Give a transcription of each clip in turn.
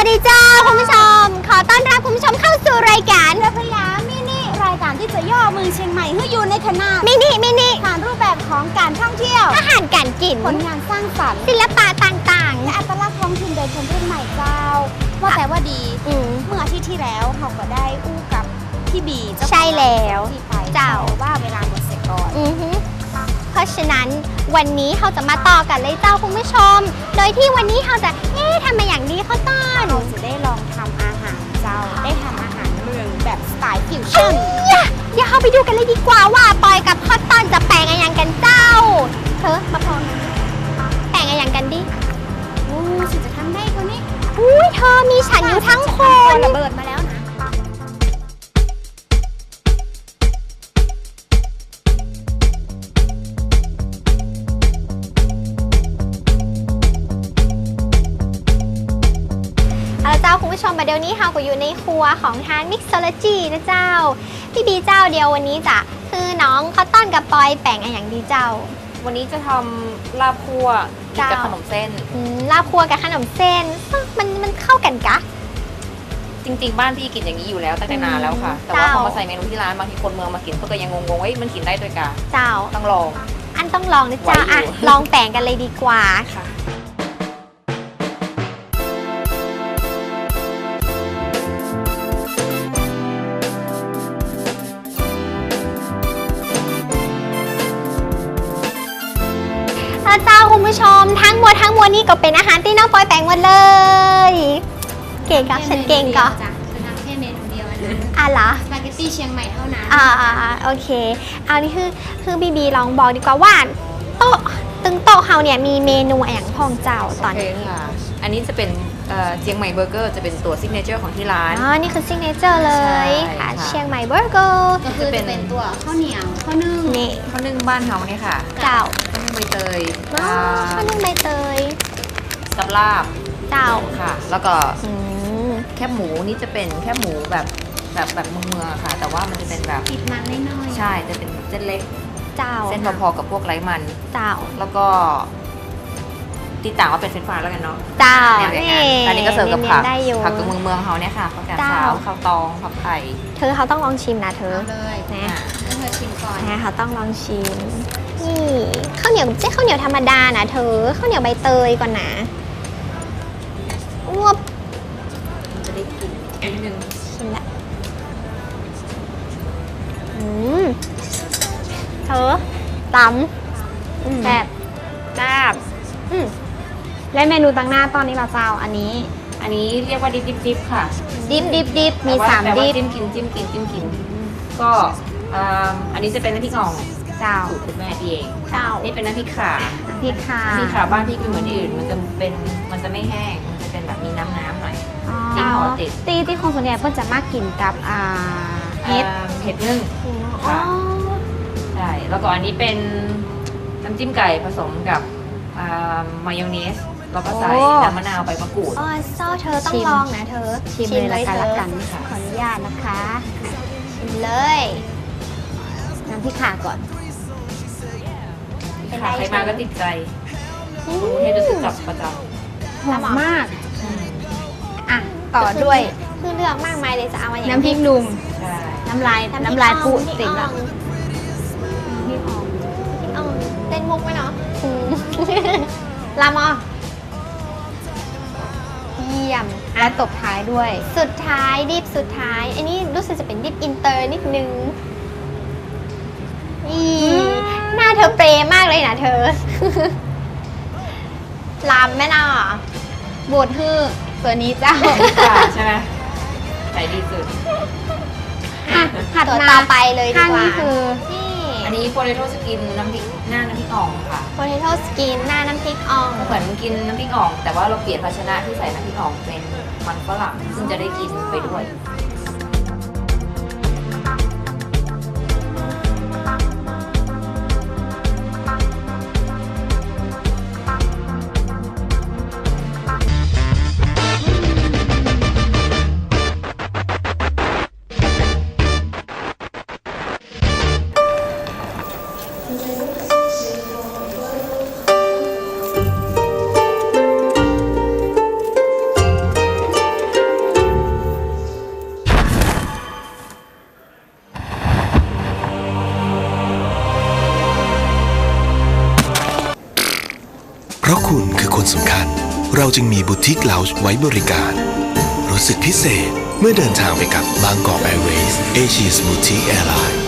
ดีเจ้าคุณผู้ชมขอต้อนรับคุณผู้ชมเข้าสู่รายการเรือพยามินิรายการที่จะย่อเมืองเชียงใหม่ให้อยู่ในขนาดมินิผ่านรูปแบบของการท่องเที่ยวอาหารการกินผลงานสร้างสรรค์ศิลปะต่างและอัตลักษณ์ท้องถิ่นโดยคนรุ่นใหม่เจ้า ว่าแต่ว่าดีๆเมื่ออาทิตย์ที่แล้วเราก็ได้อู้กับพี่บีเจ้าของใช่แล้วที่ไปเจ้าว่าเวลาหมดเสร็จก่อนเพราะฉะนั้นวันนี้เราจะมาต่อกันเลยเจ้าคุณผู้ชม โดยที่วันนี้เราจะทำมาอย่างดีข้าวต้นเราจะได้ลองทำอาหารเจ้า ได้ทำอาหารเมืองแบบสไตล์ฟิวชั่นอย่าเข้าไปดูกันเลยดีกว่าว่าปอยกับข้าวต้นจะแปลงอะไรอย่างกันเจ้าเธอมาพร้อมแปลงอะไรอย่างกันดิโอ้ฉันจะทำได้คนนี้อุ้ยเธอมีฉันอยู่ทั้งคนระเบิดมาแล้วนะเอาละเจ้าคุณผู้ชมมาเดี๋ยวนี้เราก็อยู่ในครัวของทานมิกซ์โซโลจีนะเจ้าพี่บีเจ้าเดียววันนี้จะคือน้องข้าวต้นกับปอยแปลงอะไรอย่างดีเจ้าวันนี้จะทำลาบคั่วกินกับเจ้าขนมเส้นลาบครัวกับขนมเส้นมันเข้ากันกะจริงๆ บ้านพี่กินอย่างนี้อยู่แล้วตั้งแต่นานแล้วค่ะ แต่ว่าเจ้าพอมาใส่เมนูที่ร้านบางทีคนเมืองมากินเขาก็ยังงงๆว่ามันกินได้ด้วยกะเจ้าต้องลองอันต้องลองนะเจ้าไหวอยู่อ่ะลองแปลงกันเลยดีกว่าค่ะแล้วเจ้าคุณผู้ชมทั้งหมดนี่ก็เป็นอาหารที่น้องปอยแปลงหมดเลย เก่งก็ฉันเก่งก็จ้ะจะทำแค่เมนูเดียวอันนั้นอ่ะเหรอสปาเกตตี้เชียงใหม่เท่านั้นโอเค เอานี่คือบีบีลองบอกดีกว่าว่าโต๊ะตึงโต๊ะเฮาเนี่ยมีเมนูอะไรอย่างพองเจ้าตอนนี้โเคค่ะ อันนี้จะเป็นเชียงใหม่เบอร์เกอร์จะเป็นตัวซิกเนเจอร์ของที่ร้านอ๋อ นี่คือซิกเนเจอร์เลยใช่ค่ะค่ะเชียงใหม่เบอร์เกอร์ก็คือจะเป็นตัวข้าวเหนียวข้าวนึ่งนี่ข้าวนึ่งบ้านเฮาเนี่ยค่ะเจ้าข้าวนึ่งใบเตยอ๋อข้าวนึ่งใบเตยกับลาบเจ้าค่ะ แล้วก็อืมแคบหมูนี่จะเป็นแคบหมูแบบเมืองๆอะค่ะ แต่ว่ามันจะเป็นแบบติดมันน้อยๆใช่จะเป็นเส้นเล็กเจ้าเส้นพอๆกับพวกไร้มันเจ้าแล้วก็ที่ต่างว่าเป็นเฟรนช์ฟรายแล้วกันเนาะเจ้าเนี่ยอันนี้ก็เสิร์ฟกับผักได้อยู่ผักกับเมืองเขาเนี่ยค่ะผักกาดเจ้าขาวข้าวตองผักไผ่เธอเขาต้องลองชิมนะเธอเอาเลยนะให้เธอชิมก่อนนะเขาต้องลองชิม นี่ข้าวเหนียวไม่ใช่ข้าวเหนียวธรรมดานะเธอข้าวเหนียวใบเตยก่อนนะอ้วบมันจะได้กลิ่นนิดนึงชิมละเธอตำแซ่บแซ่บและเมนูตั้งหน้าตอนนี้เราเจ้าอันนี้อันนี้เรียกว่าดิบค่ะดิบมีแต่ว่ 3 แต่ว่าดิบจิ้มกินก็อันนี้จะเป็นน้ำพริกอ่องเจ้าสูตรคุณแม่พี่เองเจ้านี่เป็นน้ำพริกข่าพริกค่ะน้ำพริกข่าบ้านพี่คือเหมือนที่อื่นมันจะไม่แห้งมันจะเป็นแบบมีน้ำหน่อย พริกห่อติดที่คนส่วนใหญ่เพิ่นจะมากกินกับเห็ดเห็ดนึ่งอ๋อค่ะ ใช่แล้วก็อันนี้เป็นน้ำจิ้มไก่ผสมกับมายองเนสแล้วก็ใส่น้ำมะนาวใบมะกรูดอ๋อเจ้าเธอต้องลองนะเธอชิมเลยละกันเธอขออนุญาตนะคะชิมเลยน้ำพริกข่าก่อนเป็นไรค่ะใครมาก็ติดใจกรุงเทพจะซื้อกลับประจหอมมากำอ่ะ ต่อด้วยคือเลือกมากมายเลยจะเอาอะไรน้ำพริกหนุ่มใช่น้ำลายน้ำพริกน้ำลายปุอ่องติ่มน้ำพริกละอ่องพริกอ่องพริกอ่องเต้นมุกไหมเนาะลามอเยี่ยมและตบท้ายด้วยสุดท้ายดิบสุดท้าย อันนี้รู้สึกจะเป็นดิบอินเตอร์นิดนึงหน้าเธอเปรย์มากเลยนะเธอ ลำแม่น่ะบูดฮื้อตัวนี้เจ้าค่ะใช่ไหมใส่ดีสุดผัดตัวมาต่อไปเลยดีข้างกว่านี้คือนี่อันนี้โปเตโต้สกินน้ำพริกหน้าน้ำพริกอ่องค่ะโพเทโต้สกินหน้าน้ำพริกอ่องเหมือนกินน้ำพริกอ่อง แต่ว่าเราเปลี่ยนภาชนะที่ใส่น้ำพริกอ่องเป็นมันฝรั่งซึ่งจะได้กินไปด้วยเราจึงมีบูติกเลาจ์ไว้บริการรู้สึกพิเศษเมื่อเดินทางไปกับบางกอกแอร์เวย์เอเชียสบูติกแอร์ไลน์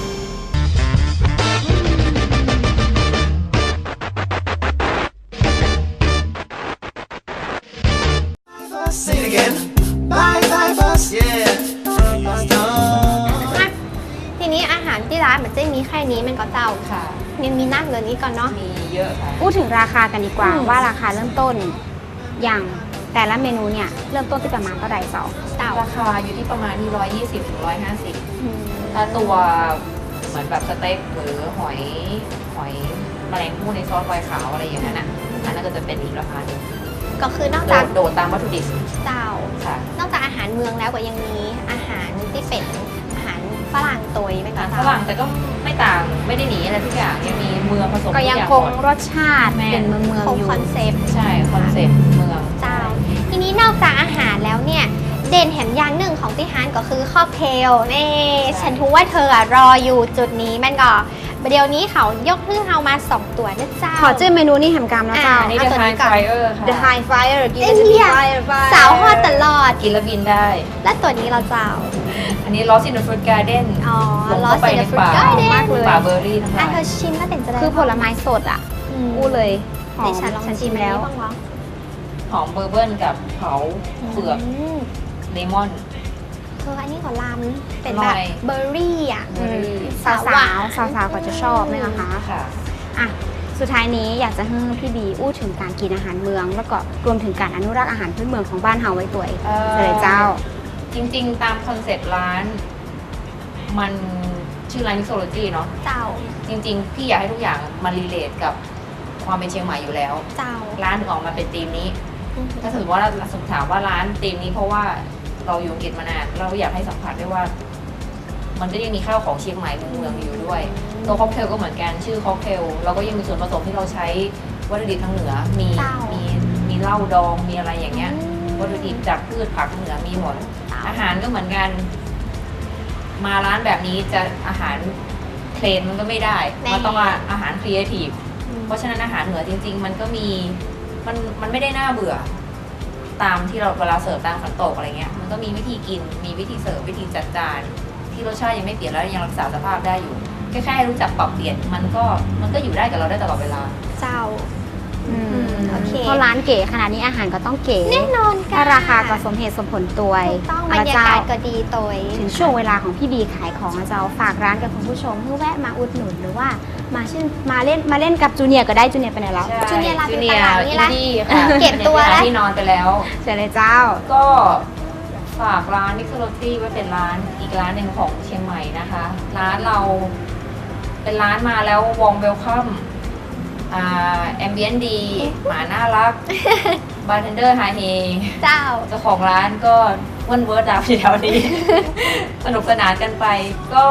ทีนี้อาหารที่ร้านมันจะมีแค่นี้มันก็เจ้าค่ะยังมีนักเลยนี้ก่อนเนาะมีเยอะค่ะพูดถึงราคากันดีกว่าอืมว่าราคาเริ่มต้นอย่างแต่ละเมนูเนี่ยเริ่มต้นที่ประมาณเท่าไหร่เจ้าเจ้าราคาอยู่ที่ประมาณที่120 ถึง 150 อืมถ้าตัวเหมือนแบบสเต็กหรือหอยแมลงภู่ในซอสไวน์ขาวอะไรอย่างนั้นอ่ะอันนั้นก็จะเป็นอีกราคาหนึ่งก็คือนอกจากโดดตามวัตถุดิบเจ้าค่ะนอกจากอาหารเมืองแล้วก็ยังมีอาหารที่เป็นอาหารฝรั่งตัวเป็นอาก็หารฝเจ้ารั่งแต่ก็ไม่ต่างไม่ได้หนีอะไรทุกอย่างยังมีเมืองผสมก็ยังทุอาคงหมดรสชาติแม่เป็นเมืองคงอยู่คอนเซปต์ใช่คอนเซ็ปต์เมืองเจ้า ทีนี้นอกจากอาหารแล้วเนี่ย เด่นแถมอย่างหนึ่งของที่ร้านก็คือค็อกเทลนี่ฉันรู้ว่าเธออะรออยู่จุดนี้มันก็เดี๋ยวนี้เขายกขึ้นเอามา 2 ตัวนะเจ้าขอชื่อเมนูนี่แหมกรรมนะเจ้าอันนี้เอา The ตัวนี้ High ก่อน Flyer ค่ะ The High Flyer กินเอ้ยจะเนี่มีย Flyer สาวฮอตตลอดกินแล้วบินได้และตัวนี้เราเจ้าอันนี้ Lost in the Fruit Garden อ๋อลงลอเข้าสไปเซนในฟรุตป่าก็ได้มากเลยป่าเบอร์รี่ทั้งหอ่ะลายเธอชิมแล้วเป็นจะได้คือผลไม้สดอ่ะมอู้เลยหอดิมฉันลองฉันชิชิมมแล้แล้ว วบ้างวะหอมเบอร์เบิร์นกับเผาเปลือกมเลมอนเธออันนี้ก็ลำเป็นอร่แบอบ ยเบอร์รี่อ่ะเบอร์รี่สาวๆก็จะชอบนี่นะคะค่ะอ่ะสุดท้ายนี้อยากจะให้พี่บีอู้ถึงการกินอาหารเมือง แล้วก็รวมถึงการอนุรักษ์อาหารพื้นเมืองของบ้านเฮาไว้ตัวเองเลยเจ้าจริงๆ ตามคอนเซ็ปต์ร้าน มันชื่อร้าน Mixology เนาะเจ้าจริงๆ พี่อยากให้ทุกอย่างมันรีเลทกับความเป็นเชียงใหม่อยู่แล้วเจ้าร้านถึงออกมาเป็นธีมนี้ ถ้าสมมติว่าเราสมมติถามว่าร้านธีมนี้เพราะว่าเราอยู่อังกฤษมานานเราอยากให้สัมผัสได้ว่า มันก็ยังมีข้าวของเชียงใหม่เมืองๆอยู่ด้วย ตัวค็อกเทลก็เหมือนกันชื่อค็อกเทลเราก็ยังมีส่วนผสมที่เราใช้วัตถุดิบทางเหนือมีเจ้ามีเหล้าดองมีอะไรอย่างเงี้ย วัตถุดิบจากพืชผักเหนือมีหมด อาหารก็เหมือนกัน มาร้านแบบนี้จะอาหารเพลนมันก็ไม่ได้ มันต้องอาหารครีเอทีฟ เพราะฉะนั้นอาหารเหนือจริง ๆ มันก็มีมันไม่ได้น่าเบื่อ ตามที่เราเวลาเสิร์ฟตามขันโตกอะไรเงี้ย มันก็มีวิธีกิน มีวิธีเสิร์ฟวิธีจัดจานที่รสชาติยังไม่เปลี่ยนแล้วยังรักษาสภาพได้อยู่ แค่ให้รู้จักปรับเปลี่ยนมันก็อยู่ได้กับเราได้ตลอดเวลาเจ้า โอเคเพราะร้านเก๋ขนาดนี้อาหารก็ต้องเก๋แน่นอนค่ะถ้าราคาก็สมเหตุสมผลตัวถูกต้องบรแล้วรยาเจ้ากาศก็ดีตัวถึงช่วงเวลาของพี่บีขายของนะเจ้าฝากร้านกับคุณผู้ชมเพื่อแวะมาอุดหนุนหรือว่ามาเล่นกับจูเนียร์ก็ได้จูเนียร์ไปไหนแล้วจูเนียร์ลาจูอยู่เนีตยลาดร์นี่อินละดี้ค่ะเก็บตัวแล้วที่นอนไปแล้วเชิญเลยเจ้าก็ฝากร้าน Mixology ไว้เป็นร้านอีกร้านหนึ่งของเชียงใหม่นะคะ ร้านเราเป็นร้านมาแล้ววองเวลคัมแอมเบียนดี หมาน่ารัก บาร์เทนเดอร์ไฮเฮเจ้าเจ้าของร้านก็วันเวิร์ดดาวอยู่แถวนี้ สนุกสนานกันไป ก็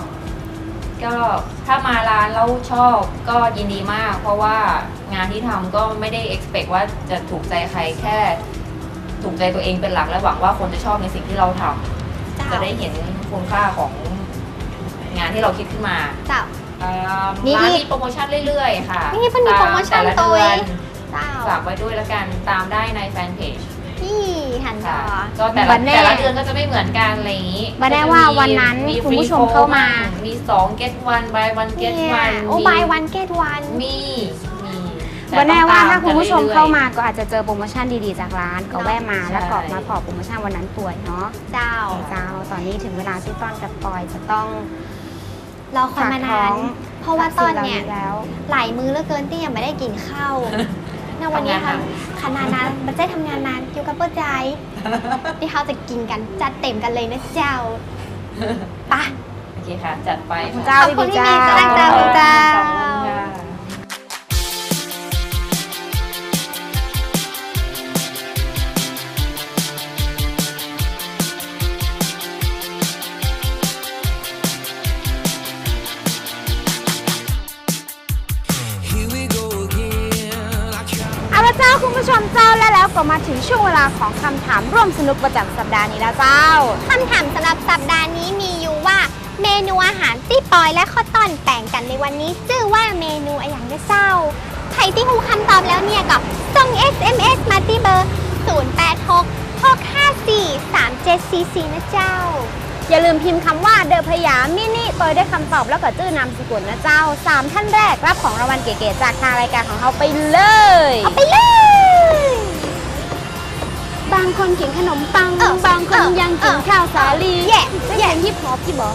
ถ้ามาร้านแล้วชอบก็ยินดีมาก เพราะว่างานที่ทำก็ไม่ได้ expect ว่าจะถูกใจใครแค่ถูกใจตัวเองเป็นหลักและหวังว่าคนจะชอบในสิ่งที่เราทำเจ้าจะได้เห็นคุณค่าของงานที่เราคิดขึ้นมาเจ้านี่ร้านมีโปรโมชั่นเรื่อยๆ ค่ะนี่มันมีโปรโมชั่นตามแต่ละตัวเดือนเจ้าฝากไว้ด้วยแล้วกันตามได้ในแฟนเพจนี่หันจอค่ะก็แต่วัละนแน่แต่ละเดือนก็จะไม่เหมือนกันอะไรอย่างนี้วันแน่ว่าวันนั้นคุณผู้ชมเข้ามามี2 get 1 buy 1 get เนี่ย 1 โอ้ buy one get one มีแต่วันแน่ว่าถ้าต้องตคุณผู้ชมกันรื่อยๆเข้ามาก็อาจจะเจอโปรโมชั่นดีๆจากร้านก็แวะมาใช่แล้วก็มาขอโปรโมชั่นวันนั้นป่วยเนาะเจ้าเจ้าตอนนี้ถึงเวลาที่ต้อนกับปอยจะต้องรอคอยมานาน เพราะว่าตอนเนี่ยแล้วหลายมื้อเหลือเกินที่ยังไม่ได้กินข้าวในวันนี้ค่ะขนาดนั้นมันจะทำงานนานอยู่กับเพื่อใจ ที่เขาจะกินกันจัดเต็มกันเลยนะเจ้าไปะโอเคค่ะ จัดไปคุณค่ะเจ้าขอบคุณพี่พี่เจ้าเมย์จ้าคุณเจ้าขอบคุณค่ะเอาละเจ้าคุณผู้ชมเจ้าแล้วก็มาถึงช่วงเวลาของคำถามร่วมสนุกประจำสัปดาห์นี้แล้วเจ้าคำถามสำหรับสัปดาห์นี้มีอยู่ว่า เมนูอาหารที่ปอยและข้าวต้อนแป่งกันในวันนี้ชื่อว่าเมนูอะไรอย่างเจ้าใครที่รู้คำตอบแล้วเนี่ยก็ส่ง SMS มาที่เบอร์ 0866543744 นะเจ้าอย่าลืมพิมพ์คำว่าเดอะพยามินิตัวได้คำตอบแล้วก็ชื่อนามสกุลนะเจ้า 3 ท่านแรกรับของรางวัลเก๋ๆจากทางรายการของเราไปเลยเอาไปเลยบางคนกินขนมปัง บางคนยังกินข้าวสาลีแย่ได้แย่ยินฮิปฮอปที่บอก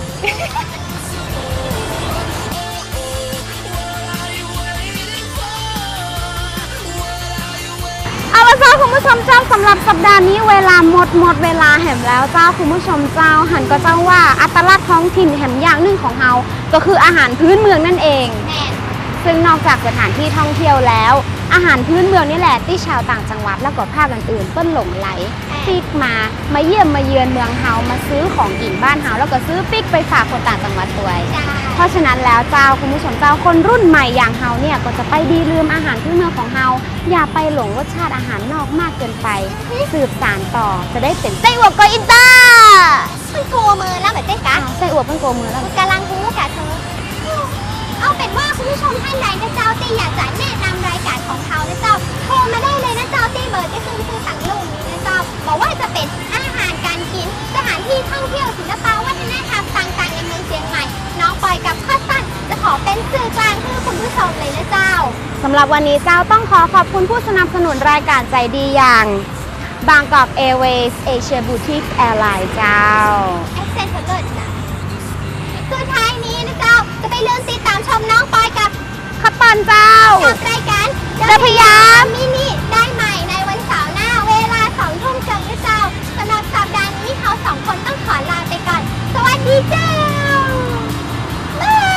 เอาละเจ้าคุณผู้ชมเจ้าสำหรับสัปดาห์นี้เวลาหมดเวลาแหมแล้วเจ้าคุณผู้ชมเจ้าหันก็เจ้าว่าอัตลักษณ์ท้องถิ่นแหมอย่างหนึ่งของเราก็คืออาหารพื้นเมืองนั่นเองแม่นซึ่งนอกจากสถานที่ท่องเที่ยวแล้ว อาหารพื้นเมืองนี่แหละที่ชาวต่างจังหวัดแล้วก็ภาคอื่นๆเปิ้นหลงไหลปิกมาเยี่ยมมาเยือนเมืองเฮามาซื้อของกินบ้านเฮาแล้วก็ซื้อปิกไปฝากคนต่างจังหวัดด้วยจ้าเพราะฉะนั้นแล้วเจ้าคุณผู้ชมเจ้าคนรุ่นใหม่อย่างเฮาเนี่ยก็จะไปดีลืมอาหารพื้นเมืองของเฮาอย่าไปหลงรสชาติอาหารนอกมากเกินไป สืบสานต่อจะได้เป็นไส้อั่วโกอินเตอร์มันโกมือแล้วแบบเจ๊กะไส้อั่วเพิ่งโกมือแล้วกำลังรู้กะเธอ เอาเป็นว่าคุณผู้ชมท่านใดนะเจ้าที่อยากจะแนะนำรายการของเขานะเจ้าโทรมาได้เลยนะเจ้าที่เบอร์ที่ขึ้นชื่อต่างลูกนี้นะเจ้าบอกว่าจะเป็นอาหารการกินสถานที่ท่องเที่ยวศิลปวัฒนธรรมต่างๆในเมืองเชียงใหม่ น้องปอยกับข้อสั้นจะขอเป็นสื่อกลางให้คุณผู้ชมเลยนะเจ้าสำหรับวันนี้เจ้าต้องขอบคุณผู้สนับสนุนรายการใจดีอย่างบางกอกแอร์เวย์สเอเชียบูติกแอร์ไลน์เจ้าแอคเซนต์เกิดนะสุดท้ายนี้นะเจ้าจะไปเลื่อนติดตามชมน้องปอยกับขับปันเจ้ากับรายการเดอะพยามมินิได้ใหม่ในวันเสาร์หน้าเวลา 2 ทุ่มเจอนะเจ้าสำหรับสัปดาห์นี้เขาสองคนต้องขอลาไปก่อน สวัสดีเจ้าบ๊าย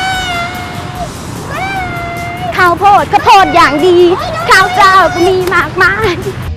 บายข้าวโพดอย่างดี ข้าวเจ้าก็มีมากมาย